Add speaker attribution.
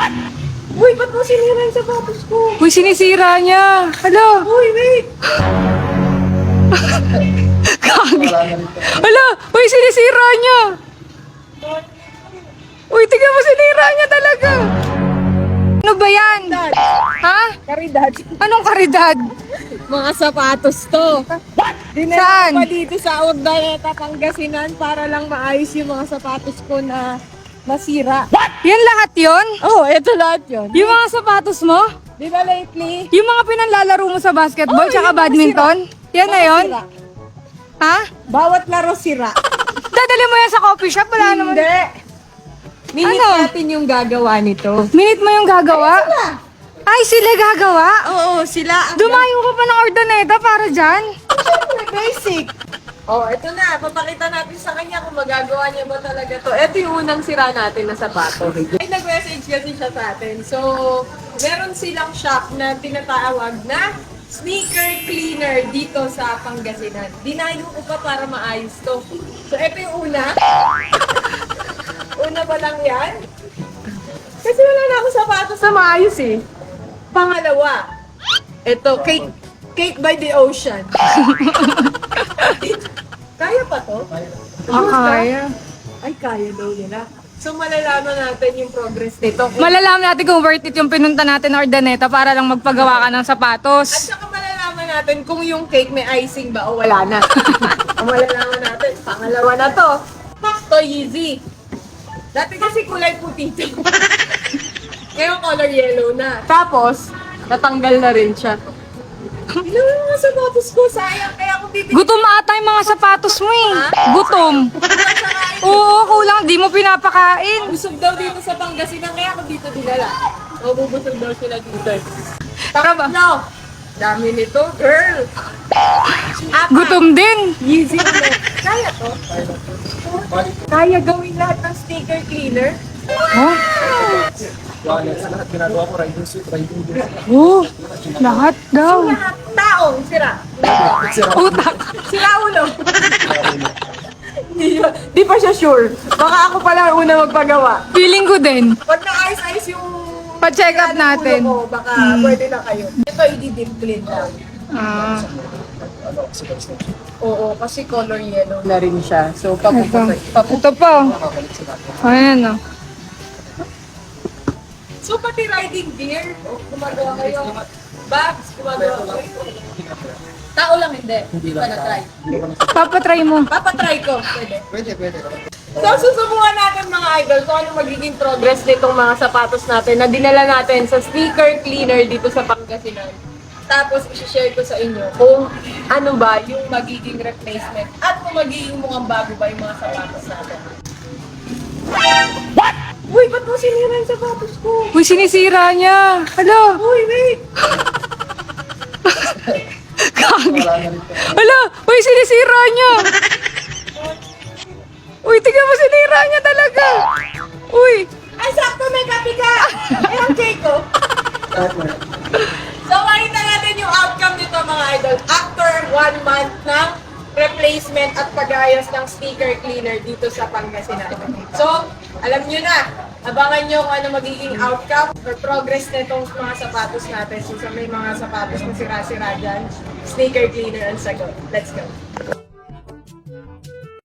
Speaker 1: Uy, ba't mo sinira yung sapatos ko?
Speaker 2: Uy, sinisira niya. Hala.
Speaker 1: Uy, wait!
Speaker 2: Kagi. Hala. Uy, sinisira niya. Uy, tignan mo, sinira niya talaga. Ano ba yan? Ha?
Speaker 1: Karidad.
Speaker 2: Anong karidad?
Speaker 1: Mga sapatos to. Dinala
Speaker 2: Saan?
Speaker 1: ko pa dito sa Ordaleta, Pangasinan para lang maayos yung mga sapatos ko na nasira.
Speaker 2: Yan lahat yon?
Speaker 1: Oh, eto lahat yun.
Speaker 2: Yung mga sapatos mo?
Speaker 1: Di ba lately?
Speaker 2: Yung mga pinanlalaro mo sa basketball
Speaker 1: Oh,
Speaker 2: tsaka
Speaker 1: yung mga
Speaker 2: badminton? Yan na
Speaker 1: Mga
Speaker 2: yon?
Speaker 1: sira.
Speaker 2: Ha?
Speaker 1: Bawat laro sira.
Speaker 2: Dadali mo yan sa coffee shop? Wala naman.
Speaker 1: Hindi. Minute
Speaker 2: Ano?
Speaker 1: natin yung gagawa nito.
Speaker 2: Minute mo yung gagawa? Ay, sila gagawa?
Speaker 1: Oo, sila ang
Speaker 2: Dumayo ka pa ng Ordaneta para dyan?
Speaker 1: basic. Oh, eto na. Papakita natin sa kanya kung magagawa niya ba talaga to. Eto yung unang sira natin na sapatos. Ay, nag-message kasi siya sa atin. So, meron silang shop na tinatawag na sneaker cleaner dito sa Pangasinan. Dinayo ko pa para maayos to. So, eto yung una. Una pa lang yan. Kasi wala na ako sapatos na maayos eh. Pangalawa, eto, cake by the ocean. Kaya pa to?
Speaker 2: Kaya.
Speaker 1: Ay, kaya daw nila. So, malalaman natin yung progress nito.
Speaker 2: Malalaman natin kung worth it yung pinunta natin na Ordaneta para lang magpagawa ka ng
Speaker 1: At
Speaker 2: sapatos.
Speaker 1: saka malalaman natin kung yung cake may icing ba o wala na. Ang malalaman natin, pangalawa na to. To Yeezy. Dati kasi kulay puti to. Ngayon color yellow na. Tapos, natanggal na rin siya. Ilan yung mga sapatos ko? Sayang. Kaya kung bibili
Speaker 2: Gutom ata yung mga sapatos mo eh. Gutom. Oo, kulang. Di mo pinapakain.
Speaker 1: busog daw dito sa Pangasinan, kaya ako dito dinala. Mabubusog daw sila dito.
Speaker 2: Tara ba?
Speaker 1: No! Dami nito, girl!
Speaker 2: Gutom din.
Speaker 1: Easy mo. Kaya to? Kaya gawin lahat ng sticker cleaner?
Speaker 2: Oh,
Speaker 3: Lahat ginagawa ko, riding suit, riding gear.
Speaker 2: oh, lahat daw.
Speaker 1: Lahat taong sira.
Speaker 2: Utak.
Speaker 1: Sira ulo. Di pa siya sure. Baka ako pala ang una magpagawa.
Speaker 2: Feeling ko din.
Speaker 1: Pag na-ice-ice yung
Speaker 2: Pa-check up natin.
Speaker 1: ulo ko, baka pwede na kayo. Ito, i-deep clean lang.
Speaker 2: Ah,
Speaker 1: Oo, kasi color yellow na rin siya. So,
Speaker 2: ito.
Speaker 1: papuputay.
Speaker 2: Ito pa. Oh. Ayan o.
Speaker 1: So, pati riding gear, gumagawa kayo. Bags, gumagawa kayo. Tao lang hindi. Hindi pa na-try.
Speaker 2: Papatry mo.
Speaker 1: Papatry ko. Pwede.
Speaker 3: Pwede.
Speaker 1: So, susubukan natin mga idol kung ano magiging progress nitong mga sapatos natin na dinala natin sa sneaker cleaner dito sa Pangasinan. Tapos, isi-share ko sa inyo kung ano ba yung magiging replacement at kung magiging mukhang bago ba yung mga sapatos natin. What? Uy, ba't mo sinira yung sapatos ko?
Speaker 2: Uy, sinisira niya. Hala.
Speaker 1: Uy, wait!
Speaker 2: Kagi. Hala. Uy, sinisira niya. Uy, tignan mo, sinira niya talaga. Uy.
Speaker 1: Ay, sakto may kape ka! Eh, ang cake ko. So, makita natin yung outcome nito mga idol. After 1 month ng replacement at pag-ayos ng sticker cleaner dito sa Pangasinan. So, alam nyo na, abangan nyo kung ano magiging outcome or progress nitong mga sapatos natin. So, sa may mga sapatos na sira-sira dyan, sticker cleaner ang sagot. Let's go.